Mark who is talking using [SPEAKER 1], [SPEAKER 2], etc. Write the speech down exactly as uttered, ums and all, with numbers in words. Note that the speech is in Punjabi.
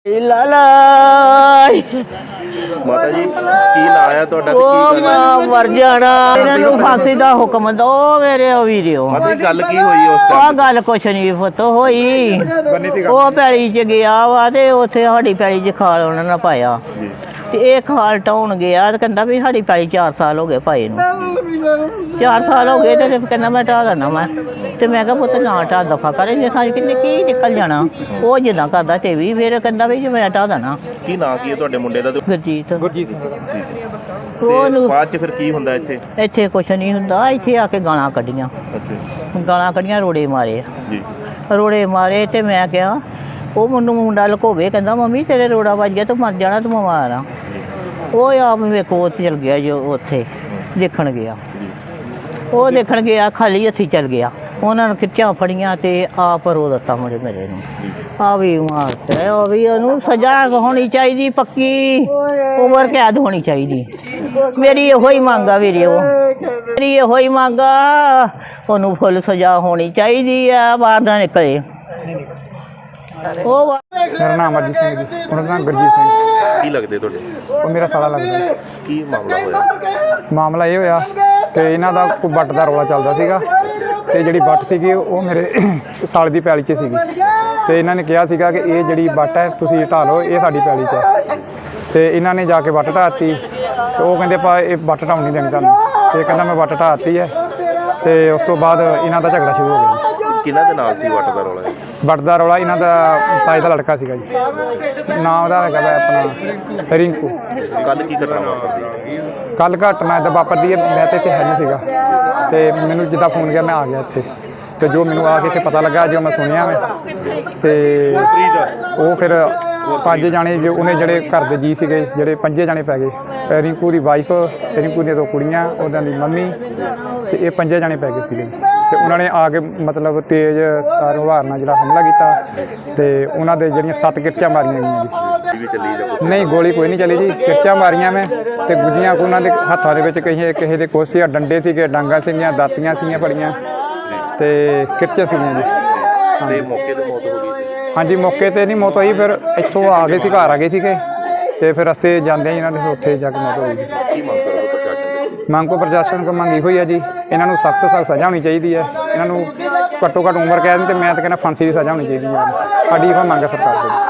[SPEAKER 1] ਲਾਲਾ
[SPEAKER 2] ਮਾਤਾ ਜੀ ਕੀ ਨਾਂ ਹੈ ਤੁਹਾਡਾ ਤੇ
[SPEAKER 1] ਉਹ
[SPEAKER 2] ਕੀ ਗੱਲ ਹੈ?
[SPEAKER 1] ਮਰ ਜਾਣਾ ਇਹਨਾਂ ਨੂੰ ਫਾਂਸੀ ਦਾ ਹੁਕਮ ਦੋ ਮੇਰੇ ਉਹ ਵੀਡੀਓ
[SPEAKER 2] ਮਾਤਾ ਜੀ ਗੱਲ ਕੀ ਹੋਈ ਉਸ
[SPEAKER 1] ਆ
[SPEAKER 2] ਟਾਈਮ
[SPEAKER 1] ਗੱਲ ਕੁਛ ਨਹੀਂ ਪੁੱਤ ਹੋਈ। ਉਹ ਪੈਲੀ ਚ ਗਿਆ ਵਾ ਤੇ ਉੱਥੇ ਸਾਡੀ ਪੈਲੀ ਚ ਖਾਲ ਉਹਨਾਂ ਨੇ ਪਾਇਆ
[SPEAKER 2] ਜੀ
[SPEAKER 1] ਤੇ ਇਹ ਖਾਲ ਟਾਉਣ ਗਿਆ ਤੇ ਕਹਿੰਦਾ ਵੀ ਸਾਡੀ ਪੈਲੀ ਚਾਰ ਸਾਲ ਹੋ ਗਏ ਪਾਏ ਨੂੰ। ਚਾਰ ਸਾਲ ਹੋ ਗਏ ਤੇ ਕਹਿੰਦਾ ਮੈਂ ਢਾਹ ਦੇਣਾ ਮੈਂ ਤੇ ਮੈਂ ਕਿਹਾ ਪੁੱਤ ਨਾ ਢਾਹ ਦਫਾ ਕਰੇ ਜੇ ਸਾਂ ਕਿੰਨੇ ਕੀ ਨਿਕਲ ਜਾਣਾ। ਉਹ ਜਿੱਦਾਂ ਕਰਦਾ ਤੇ ਵੀ ਫਿਰ ਕਹਿੰਦਾ ਵੀ ਜੇ ਮੈਂ ਢਾਹ ਦੇਣਾ।
[SPEAKER 2] ਕੀ ਨਾਂ ਕੀ ਹੈ ਤੁਹਾਡੇ ਮੁੰਡੇ ਦਾ ਤੇ
[SPEAKER 1] ਗੁਰਜੀਤ
[SPEAKER 3] ਗੁਰਜੀਤ ਸਿੰਘ
[SPEAKER 2] ਤੇ
[SPEAKER 1] ਉਹਨੂੰ
[SPEAKER 2] ਬਾਅਦ ਚ ਫਿਰ ਕੀ ਹੁੰਦਾ ਇੱਥੇ?
[SPEAKER 1] ਇੱਥੇ ਕੁਛ ਨਹੀਂ ਹੁੰਦਾ। ਇੱਥੇ ਆ ਕੇ ਗਾਲਾਂ ਕੱਢੀਆਂ
[SPEAKER 2] ਅੱਛਾ
[SPEAKER 1] ਗਾਲਾਂ ਕੱਢੀਆਂ ਰੋੜੇ ਮਾਰੇ
[SPEAKER 2] ਜੀ
[SPEAKER 1] ਰੋੜੇ ਮਾਰੇ ਤੇ ਮੈਂ ਕਿਹਾ ਉਹ ਮੈਨੂੰ ਮੁੰਡਾ ਲਕੋਵੇ ਕਹਿੰਦਾ ਮੰਮੀ ਤੇਰੇ ਰੋੜਾ ਵੱਜ ਗਿਆ ਤੂੰ ਮਰ ਜਾਣਾ ਤੂੰ ਬਿਮਾਰ ਆ। ਉਹ ਆਪ ਵੇਖੋ ਉੱਥੇ ਚਲ ਗਿਆ ਜੋ ਉੱਥੇ ਦੇਖਣ ਗਿਆ। ਉਹ ਦੇਖਣ ਗਿਆ ਖਾਲੀ ਹੱਥੀਂ ਚਲ ਗਿਆ। ਉਹਨਾਂ ਨੇ ਖਿੱਚਾਂ ਫੜੀਆਂ ਤੇ ਆਪ ਰੋ ਦਿੱਤਾ ਮੁੰਡੇ ਮੇਰੇ ਨੂੰ। ਆ ਵੀ ਮਾਰਤੇ ਉਹ ਵੀ ਉਹਨੂੰ ਸਜ਼ਾ ਹੋਣੀ ਚਾਹੀਦੀ ਪੱਕੀ ਉਮਰ ਕੈਦ ਹੋਣੀ ਚਾਹੀਦੀ। ਮੇਰੀ ਇਹੋ ਹੀ ਮੰਗ ਆ ਵੀਰੇ ਉਹ ਮੇਰੀ ਇਹੋ ਹੀ ਮੰਗ ਆ ਉਹਨੂੰ ਫੁੱਲ ਸਜ਼ਾ ਹੋਣੀ ਚਾਹੀਦੀ ਆ ਬਾਹਰ ਨਾ ਨਿਕਲੇ। ਉਹ
[SPEAKER 3] ਮੇਰਾ ਨਾਮ ਅਰਜੀਤ ਸਿੰਘ ਜੀ ਉਹਨਾਂ ਦਾ ਨਾਮ ਗੁਰਜੀਤ ਸਿੰਘ।
[SPEAKER 2] ਕੀ ਲੱਗਦੇ ਤੁਹਾਡੇ?
[SPEAKER 3] ਉਹ ਮੇਰਾ ਸਾਲਾ ਲੱਗਦਾ।
[SPEAKER 2] ਕੀ ਮਾਮਲਾ ਹੋਇਆ?
[SPEAKER 3] ਮਾਮਲਾ ਇਹ ਹੋਇਆ ਕਿ ਇਹਨਾਂ ਦਾ ਕੋਈ ਵੱਟ ਦਾ ਰੌਲਾ ਚੱਲਦਾ ਸੀਗਾ ਤੇ ਜਿਹੜੀ ਵੱਟ ਸੀਗੀ ਉਹ ਮੇਰੇ ਸਾਲ ਦੀ ਪੈਲੀ 'ਚ ਸੀਗੀ ਤੇ ਇਹਨਾਂ ਨੇ ਕਿਹਾ ਸੀਗਾ ਕਿ ਇਹ ਜਿਹੜੀ ਵੱਟ ਹੈ ਤੁਸੀਂ ਢਾਹ ਲਓ ਇਹ ਸਾਡੀ ਪੈਲੀ 'ਚ ਹੈ। ਤੇ ਇਹਨਾਂ ਨੇ ਜਾ ਕੇ ਵੱਟ ਢਾਹਤੀ ਤੇ ਉਹ ਕਹਿੰਦੇ ਪਾ ਇਹ ਵੱਟ ਢਾਉਣ ਨਹੀਂ ਦੇਣੀ ਤੁਹਾਨੂੰ। ਤੇ ਕਹਿੰਦਾ ਮੈਂ ਵੱਟ ਢਾਹਤੀ ਹੈ ਤੇ ਉਸ ਤੋਂ ਬਾਅਦ ਇਹਨਾਂ ਦਾ ਝਗੜਾ ਸ਼ੁਰੂ ਹੋ ਗਿਆ।
[SPEAKER 2] ਕਿਹਨਾਂ ਦੇ ਨਾਲ ਸੀ ਵੱਟ ਦਾ ਰੌਲਾ?
[SPEAKER 3] ਵੱਟ ਦਾ ਰੌਲਾ ਇਹਨਾਂ ਦਾ ਤਾਏ ਦਾ ਲੜਕਾ ਸੀਗਾ ਜੀ। ਨਾਮ ਉਹਦਾ ਹੈਗਾ ਵਾ ਆਪਣਾ ਰਿੰਕੂ।
[SPEAKER 2] ਕੱਲ ਕੀ ਘਟਨਾ ਵਾਪਰਦੀ?
[SPEAKER 3] ਕੱਲ ਘਟਨਾ ਇੱਦਾਂ ਵਾਪਰਦੀ ਹੈ ਮੈਂ ਤਾਂ ਇੱਥੇ ਹੈ ਨਹੀਂ ਸੀਗਾ ਤੇ ਮੈਨੂੰ ਜਿੱਦਾਂ ਫੋਨ ਗਿਆ ਮੈਂ ਆ ਗਿਆ ਇੱਥੇ ਤੇ ਜੋ ਮੈਨੂੰ ਆ ਕੇ ਇੱਥੇ ਪਤਾ ਲੱਗਾ ਜੋ ਮੈਂ ਸੁਣਿਆ ਮੈਂ ਤੇ ਉਹ ਫਿਰ ਪੰਜ ਜਾਣੇ ਜੋ ਉਹਨੇ ਜਿਹੜੇ ਘਰ ਦੇ ਜੀ ਸੀਗੇ ਜਿਹੜੇ ਪੰਜੇ ਜਾਣੇ ਪੈ ਗਏ। ਰਿੰਕੂ ਦੀ ਵਾਈਫ ਰਿੰਕੂ ਦੀਆਂ ਦੋ ਕੁੜੀਆਂ ਉਹਨਾਂ ਦੀ ਮੰਮੀ ਤੇ ਇਹ ਪੰਜੇ ਜਾਣੇ ਪੈ ਗਏ ਸੀਗੇ ਤੇ ਉਹਨਾਂ ਨੇ ਆ ਕੇ ਮਤਲਬ ਤੇਜ਼ ਤਾਰ ਹਵਾਰ ਨਾਲ ਜਿਹੜਾ ਹਮਲਾ ਕੀਤਾ ਤੇ ਉਹਨਾਂ ਦੇ ਜਿਹੜੀਆਂ ਸੱਤ ਕਿਰਚਾਂ ਮਾਰੀਆਂ ਗਈਆਂ ਜੀ।
[SPEAKER 2] ਵੀ ਚੱਲੀ ਜਾਂ ਕੁਛ?
[SPEAKER 3] ਨਹੀਂ ਗੋਲੀ ਕੋਈ ਨਹੀਂ ਚੱਲੀ ਜੀ। ਕਿਰਚਾਂ ਮਾਰੀਆਂ ਮੈਂ ਤੇ ਗੁੱਜੀਆਂ ਉਹਨਾਂ ਦੇ ਹੱਥਾਂ ਦੇ ਵਿੱਚ ਕਿਸੇ ਕਿਸੇ ਦੇ ਕੁਛ ਸੀ ਡੰਡੇ ਸੀਗੇ ਡਾਂਗਾਂ ਸੀਗੀਆਂ ਦਾਤੀਆਂ ਸੀਗੀਆਂ ਫੜੀਆਂ ਤੇ ਕਿਰਚਾਂ ਸੀਗੀਆਂ ਜੀ।
[SPEAKER 2] ਤੇ ਮੌਕੇ ਤੇ ਮੌਤ ਹੋ ਗਈ ਸੀ?
[SPEAKER 3] ਹਾਂਜੀ ਮੌਕੇ ਤੇ ਨਹੀਂ ਮੌਤ ਹੋਈ ਫਿਰ ਇੱਥੋਂ ਆ ਗਏ ਸੀ ਘਰ ਆ ਗਏ ਸੀਗੇ ਤੇ ਫਿਰ ਰਸਤੇ ਜਾਂਦੇ ਇਹਨਾਂ ਦੇ ਉੱਥੇ ਜਾ ਕੇ ਮੌਤ ਹੋਈ ਜੀ।
[SPEAKER 2] ਕੀ ਮੰਗ ਕਰੋਗੇ ਪ੍ਰਸ਼ਾਸਨ ਤੋਂ?
[SPEAKER 3] ਮੰਗ ਕੋ ਪ੍ਰਸ਼ਾਸਨ ਕੋ ਮੰਗੀ ਹੋਈ ਹੈ ਜੀ ਇਹਨਾਂ ਨੂੰ ਸਖਤ ਤੋਂ ਸਖਤ ਸਜ਼ਾ ਹੋਣੀ ਚਾਹੀਦੀ ਹੈ। ਇਹਨਾਂ ਨੂੰ ਘੱਟੋ ਘੱਟ ਉਮਰ ਕੈਦ ਤੇ ਮੈਂ ਤਾਂ ਕਹਿੰਦਾ ਫਾਂਸੀ ਦੀ ਸਜ਼ਾ ਹੋਣੀ ਚਾਹੀਦੀ ਹੈ। ਸਾਡੀ ਇਹ ਮੰਗ ਹੈ ਸਰਕਾਰ ਕੋਲ।